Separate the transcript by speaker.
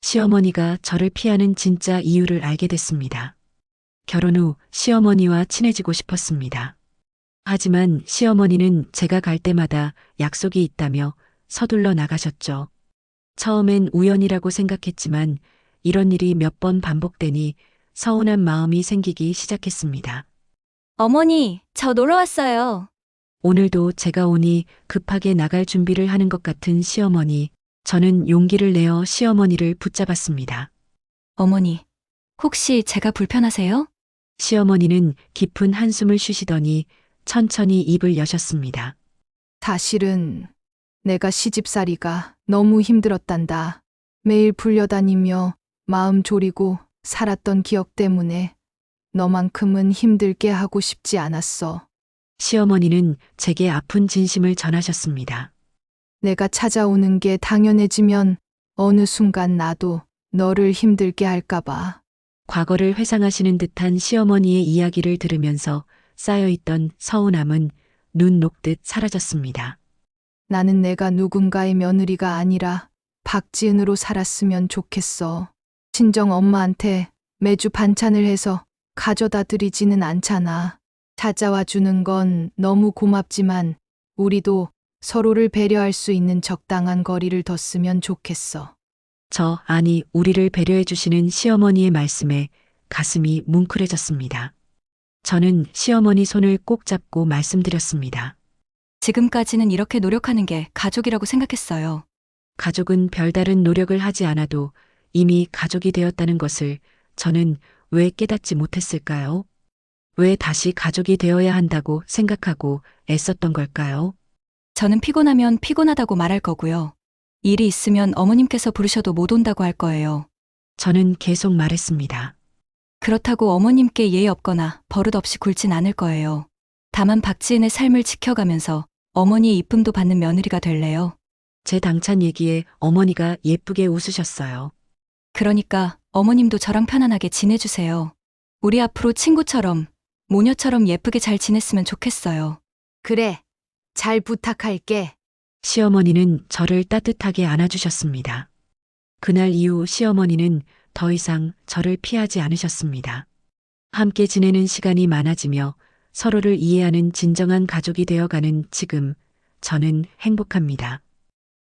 Speaker 1: 시어머니가 저를 피하는 진짜 이유를 알게 됐습니다. 결혼 후 시어머니와 친해지고 싶었습니다. 하지만 시어머니는 제가 갈 때마다 약속이 있다며 서둘러 나가셨죠. 처음엔 우연이라고 생각했지만 이런 일이 몇 번 반복되니 서운한 마음이 생기기 시작했습니다.
Speaker 2: 어머니, 저 놀러 왔어요.
Speaker 1: 오늘도 제가 오니 급하게 나갈 준비를 하는 것 같은 시어머니, 저는 용기를 내어 시어머니를 붙잡았습니다.
Speaker 2: 어머니, 혹시 제가 불편하세요?
Speaker 1: 시어머니는 깊은 한숨을 쉬시더니 천천히 입을 여셨습니다.
Speaker 3: 사실은 내가 시집살이가 너무 힘들었단다. 매일 불려다니며 마음 졸이고 살았던 기억 때문에 너만큼은 힘들게 하고 싶지 않았어.
Speaker 1: 시어머니는 제게 아픈 진심을 전하셨습니다.
Speaker 3: 내가 찾아오는 게 당연해지면 어느 순간 나도 너를 힘들게 할까봐.
Speaker 1: 과거를 회상하시는 듯한 시어머니의 이야기를 들으면서 쌓여있던 서운함은 눈 녹듯 사라졌습니다.
Speaker 3: 나는 내가 누군가의 며느리가 아니라 박지은으로 살았으면 좋겠어. 친정 엄마한테 매주 반찬을 해서 가져다 드리지는 않잖아. 찾아와 주는 건 너무 고맙지만 우리도 서로를 배려할 수 있는 적당한 거리를 뒀으면 좋겠어.
Speaker 1: 아니, 우리를 배려해 주시는 시어머니의 말씀에 가슴이 뭉클해졌습니다. 저는 시어머니 손을 꼭 잡고 말씀드렸습니다.
Speaker 2: 지금까지는 이렇게 노력하는 게 가족이라고 생각했어요.
Speaker 1: 가족은 별다른 노력을 하지 않아도 이미 가족이 되었다는 것을 저는 왜 깨닫지 못했을까요? 왜 다시 가족이 되어야 한다고 생각하고 애썼던 걸까요?
Speaker 2: 저는 피곤하면 피곤하다고 말할 거고요. 일이 있으면 어머님께서 부르셔도 못 온다고 할 거예요.
Speaker 1: 저는 계속 말했습니다.
Speaker 2: 그렇다고 어머님께 예의 없거나 버릇 없이 굴진 않을 거예요. 다만 박지은의 삶을 지켜가면서 어머니의 이쁨도 받는 며느리가 될래요.
Speaker 1: 제 당찬 얘기에 어머니가 예쁘게 웃으셨어요.
Speaker 2: 그러니까 어머님도 저랑 편안하게 지내주세요. 우리 앞으로 친구처럼, 모녀처럼 예쁘게 잘 지냈으면 좋겠어요.
Speaker 3: 그래, 잘 부탁할게.
Speaker 1: 시어머니는 저를 따뜻하게 안아주셨습니다. 그날 이후 시어머니는 더 이상 저를 피하지 않으셨습니다. 함께 지내는 시간이 많아지며 서로를 이해하는 진정한 가족이 되어가는 지금 저는 행복합니다.